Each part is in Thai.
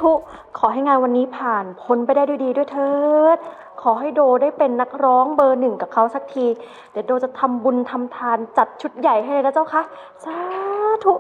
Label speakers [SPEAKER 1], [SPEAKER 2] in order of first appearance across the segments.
[SPEAKER 1] ธุขอให้งานวันนี้ผ่านพ้นไปได้ด้วยดีด้วยเถิดขอให้โดได้เป็นนักร้องเบอร์หนึ่งกับเขาสักทีเดี๋ยวโดจะทำบุญทำทานจัดชุดใหญ่ให้เลยนะเจ้าคะสาธุ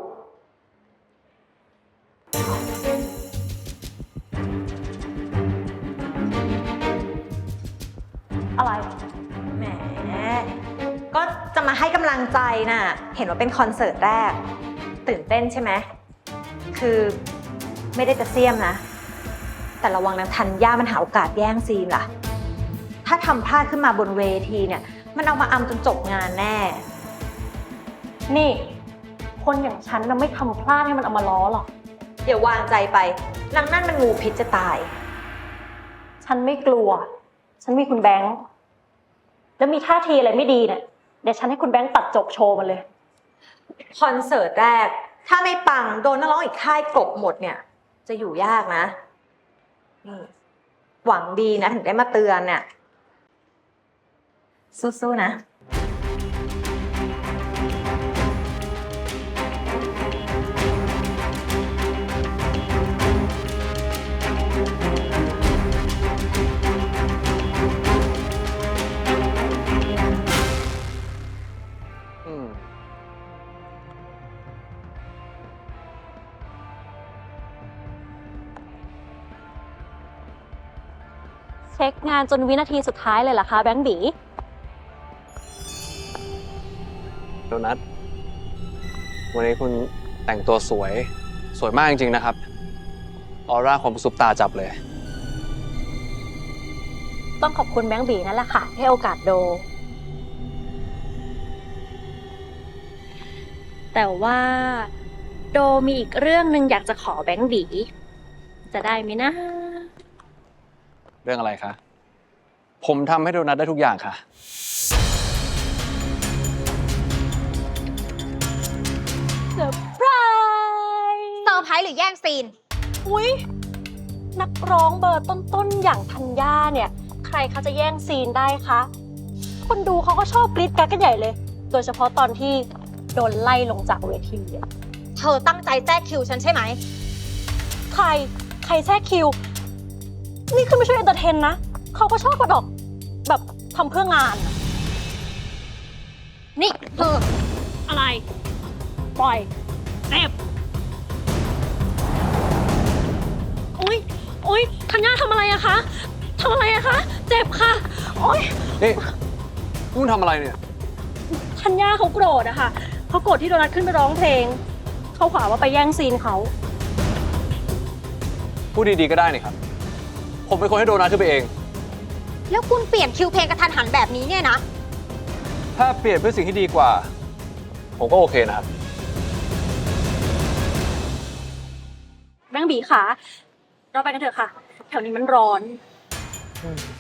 [SPEAKER 1] อะไร
[SPEAKER 2] แหมก็จะมาให้กำลังใจน่ะเห็นว่าเป็นคอนเสิร์ตแรกตื่นเต้นใช่ไหมคือไม่ได้จะเสียมนะแต่ระวังนางธัญญามันหาโอกาสแย่งซีนล่ะถ้าทำพลาดขึ้นมาบนเวทีเนี่ยมันเอามาอำจนจบงานแน่
[SPEAKER 1] นี่คนอย่างฉันน่ะไม่ทำพลาดให้มันเอามาล้อหรอก
[SPEAKER 2] เดี๋ยววางใจไปนางนั่นมันงูพิษจะตาย
[SPEAKER 1] ฉันไม่กลัวฉันมีคุณแบงค์แล้วมีท่าทีอะไรไม่ดีเนี่ยเดี๋ยวฉันให้คุณแบงค์ตัดจบโชว์มันเลย
[SPEAKER 2] คอนเสิร์ตแรกถ้าไม่ปังโดนนักร้องอีกค่ายกลบหมดเนี่ยจะอยู่ยากนะนี่หวังดีนะถึงได้มาเตือนเนี่ยสู้ๆนะ
[SPEAKER 1] เช็คงานจนวินาทีสุดท้ายเลยเหรอคะแบงค์บี
[SPEAKER 3] โดนัทวันนี้คุณแต่งตัวสวยมากจริงๆนะครับออร่าของซุปตาจับเลย
[SPEAKER 1] ต้องขอบคุณแบงค์บีนั่นแหละค่ะให้โอกาสโดแต่ว่าโดมีอีกเรื่องหนึ่งอยากจะขอแบงค์บีจะได้ไหมนะ
[SPEAKER 3] เรื่องอะไรคะ ผมทำให้โดนัทได้ทุกอย่างค่ะ
[SPEAKER 1] เซอร์ไพรส์
[SPEAKER 4] เซอร์ไพรส์หรือแย่งซีน
[SPEAKER 1] อุ๊ยนักร้องเบอร์ต้นๆอย่างธัญญาเนี่ยใครเขาจะแย่งซีนได้คะคนดูเขาก็ชอบกรี๊ดกราดกันใหญ่เลยโดยเฉพาะตอนที่โดนไล่ลงจากเวที
[SPEAKER 4] เธอตั้งใจแทรกคิวฉันใช่ไหม
[SPEAKER 1] ใครแทรกคิวนี่คือไม่ช่วยเอนเตอร์เทนนะเขาก็ชอบกระดอกแบบทำเพื่องาน
[SPEAKER 4] นี่เธอ
[SPEAKER 1] อะไรปล่อยเจ็บอุ๊ยธัญญาทำอะไรอะคะทำอะไรอะคะเจ็บค่ะโอ๊ย
[SPEAKER 3] นี่คุณทำอะไรเนี่ย
[SPEAKER 1] ธัญญาเขาโกรธอะค่ะเขาโกรธที่โดนัทขึ้นไปร้องเพลงเขาขวาว่าไปแย่งซีนเขา
[SPEAKER 3] พูดดีๆก็ได้นี่ครับผมเป็นคนให้โดนัทขึ้นไปเอง
[SPEAKER 4] แล้วคุณเปลี่ยนคิวเพลงกระทันหันแบบนี้เนี่ยนะ
[SPEAKER 3] ถ้าเปลี่ยนเพื่อสิ่งที่ดีกว่าผมก็โอเคนะครับ
[SPEAKER 1] แบงค์บีค่ะเราไปกันเถอะค่ะแถวนี้มันร้อน